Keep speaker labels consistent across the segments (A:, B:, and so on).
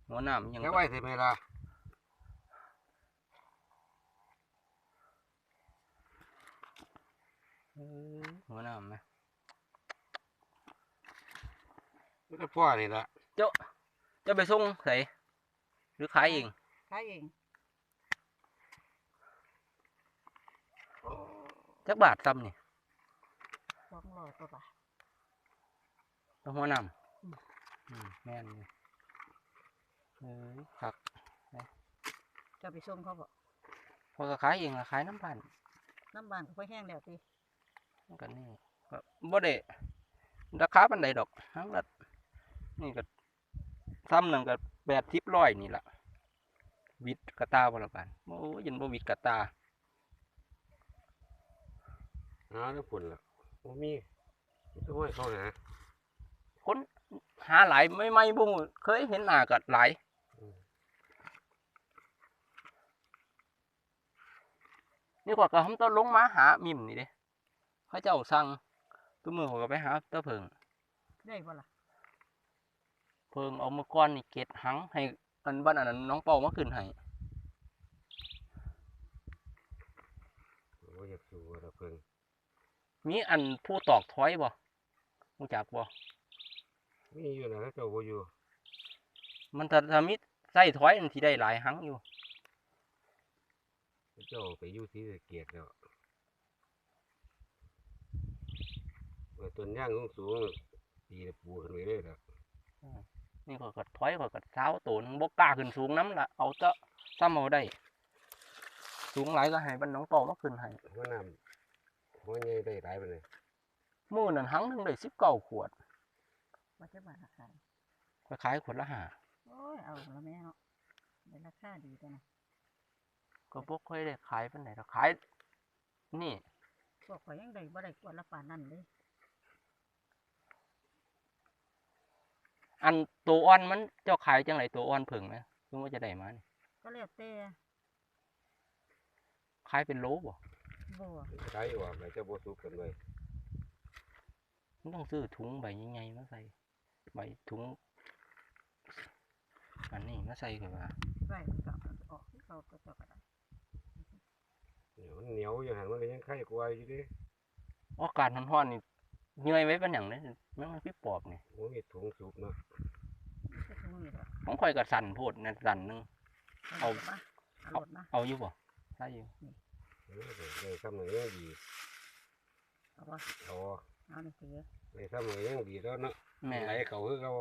A: หัวน้ำยัง
B: แค่ไว้สิเวลา
A: หัวน้ำไหม
B: ไม่ได้พ่อนี่ละ
A: จะไปส่งใส่หรือขายเอง
C: ขายเอง
A: จักบาทซ้ำนี่
C: 200 กว่าบาท
A: ต้องหัวน้ำแม่นเลยผัก
C: จะไปส่งเขาบ่
A: พอก็ขายเองละขายน้ำพัน
C: น้ำบ้านก็ค่อยแห้งแล้วติ
A: กันนี่ก็บ่ได้ราคาปานใดดอกทั้งละนี่ก็ซ้ำหนึ่งก็80-100นี่แหละวิดกระตาบ่ละบาทโอ้ยยันบ่วิดกระตา
B: แล้วฝุ่นละโอ้มีต้องให้เขาหา
A: คนหาหลายไม่บ่ฮู้เคยเห็นหน้าก็หลายนี่กว่าก็ทำต้นลงมาหามิมนี่เด้เขาเจ้าสั่งตัวมือเขาก็ไปหาตะเพิง
C: ได้บ่ล่ะ
A: เพิงเอามาก้อนนี่เกล็ดหังให้อันบ้านอันนั้นน้องเป่ามาขึ้นให้
B: โอ้อยากสู้ระเพิง
A: มีอันผู้ตอกถอยบ่รู้จักบ่
B: มีอยู่นะเจ้าบ่อยู่
A: มันถ้ามีใส่ถอยมันสิได้หลายหังอยู่
B: เจ้าไปอยู่ที่เกียรติแล้วต้นย่างสูงตีปูขึ้นไปเลยละ
A: นี่ก็ถอยก็เท้าตัวนึงบ่กล้าขึ้นสูงน้ำละเอาเตะซ้ำเอาได้สูงหลายก็ให้บ้านน้องเป่ามาขึ้นให้
B: หัวน้ำหัวใหญ่ได้หลายไปเลย
A: มื้อนั้นหังหนึงได้19 ขวด
C: ว่าจะบาทละขาย
A: ไปขายขวดละ5
C: โอ้ยเอาละแม่เนาะได้ราคาดีตัวนะ
A: ก็บ่ค่อยได้ขายปานใดดอกขายนี่
C: พวกข่อยยังได้บ่ได้กว่าละปานนั้นเลย
A: อันตัวอ่อนมันเจ้าขายจังไรตัวอ่อนเพิ่งนะคือว่าจะได้มานี่
C: ก็แล้วแต่
A: ขายเป็นโลบ่
C: บ่
B: ขายออกเลยเจ้าบ่สุกกันเลย
A: มันต้องซื้อถุงใบใหญ่ๆมาใส่ใบถุงอันนี้มาใส่กันว่า
C: ไว้มันก็ออกที่เขาก็เจ้าก็ได้
B: เหนียวอย่างนั้นมันก็ยังไข่กว่าอยู่ดิ
A: อากาศร้อนๆนี่เหนื่อยไว้เป็นอย่างนี้มันพี่ปอบนี่
B: โอ้ยถุงสุกเนาะ
C: ก็ถุงนี่แหละ
A: ของข่อยก็สั่นโพดนะสั่นหนึง
C: เอามาเอารถมา
A: เอาอยู่บ่ใช่อยู่
B: เลยทำหน่อยยังดี
C: เอาบ่
B: เอา
C: เอานี่สิ
B: เลยทำหน่อยยังดีแล้วเนาะ
A: แม่
B: ไหลเขาคือเขา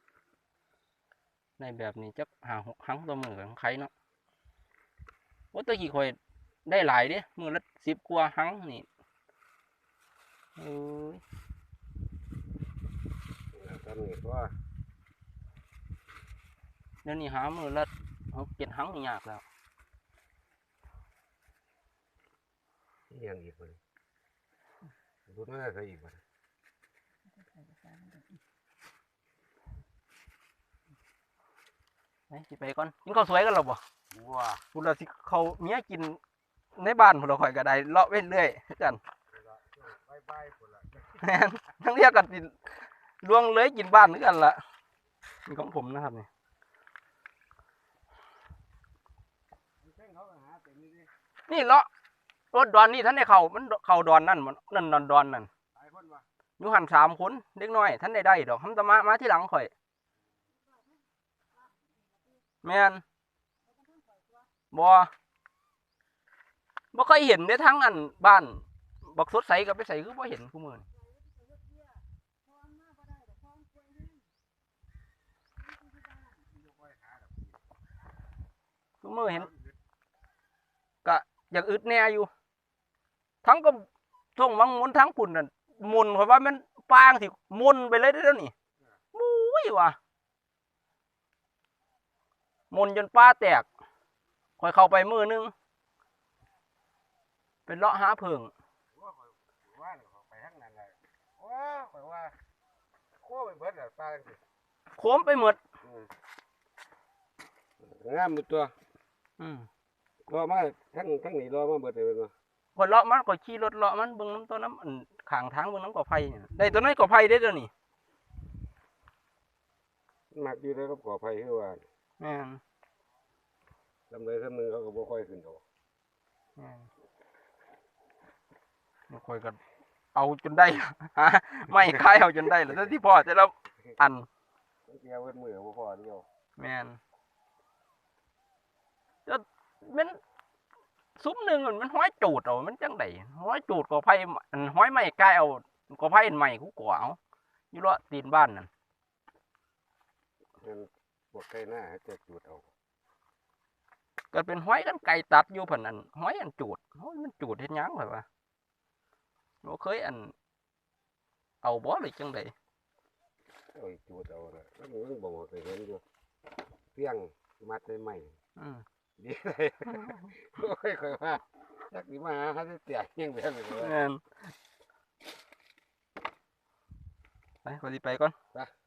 A: ในแบบนี้จัก5-6 ครั้งต่อมือของใครเนาะว่าแตะกี้ข่อยได้หลายเด้มือละ10 กว่าครั้งนี่เอ้ย
B: ทำนี่ว่า
A: เดี๋ยวนี้หามือละ6-7 ครั้งนี่ยากแล้ว
B: ยังอีกคนดูน่าจะอีกคน
A: ไปสิไปก่อนกินข้าวสวยกันหรอบ่
B: ว้า
A: พุ่นละสิเขาเมียกินในบ้านพุ่นละข่อยก็ได้เลาะเว้นเรื่อยกัน
B: บายบายคนละ
A: แม่นทั้งเรียกกันสิล่วงเลยกินบ้านคือกันล่ะนี่ของผมนะครับนี่นี่เลาะรถดอนนี่ท่านได้เข้ามันเข้าดอนนั่นมันนั่นดอนนั่นอยู่หัน3 คนเด็กน้อยท่านได้ดอกทำตะมาที่หลังข่อยแม่นบ่เคยเห็นได้ทั้งอันบ้านบักสดใสกับไปใส่คือบ่เห็นคู่มือเห็นก็อยากอึดแน่อยู่ทั้งก็ส่งวังมุนทั้งปุ่นนั่นมุนเพราะว่ามันปางสิมุนไปเลยได้แล้วนี่มุ้ยว่ะมุนจนป้าแตกค่อยเข้าไปมือนึงเป็นเลาะหาเพิง
B: ว่าไปทั้งนั้นเลยโอ้ยว่าโค้ไปเบิดปลาสิ
A: โค้มไปหมด
B: งามตัว
A: อืม
B: รอมาทั้งนี้รอมาเบิดเลยเนาะ
A: คนเลาะมันก็ขี่รถเลาะมันเบิ่งน้ำต้นน้ำอันข้างทางเบิ่งน้ำกอไผ่เนี่ยได้ตัวนั้นกอไผ่ได้ตัวนี้
B: มักอยู่แล้วก็ก่อไฟคือว่า
A: แม่น
B: ลำเลยซ้ำนึงเขาก็บ่ค่อยขึ้นดอก
A: แม่นบ่ค่อยก็เอาจนได้ หาไม่คายเอาจนได้แล้วแต่ที่พ่อแต่ละอัน
B: เดียวเว้นมือบ่พอเดียว
A: แม่นจะมันซุ้มหนึ่งมันห้อยจูดเอามันจังไดห้อยจูดก็ไผอันห้อยไม้กายเอาก็ไผอันใหม่กูกว่าเอาอยู่เลาะตีนบ้านนั่น
B: งั้นพวกไก่หน้าจะจุดเอา
A: ก็เป็นห้อยกันไก่ตัดอยู่เพิ่นอันห้อยอันจูดห้อยมันจูดเฮ็ดหยังข่อยว่าบ่เคยอันเอาบ่หรือจังได
B: โอ้ยจุดเอาน่ะมันบ่เคยเห็นอยู่เพียงมัดได้ไหม
A: อืม
B: ดีเลยโอ้ยค่อยว่าจักสิมาหาเขาจะเตียกยังแบบนี้ว่า
A: แม่นไปขอสิไปก่อน
B: ไป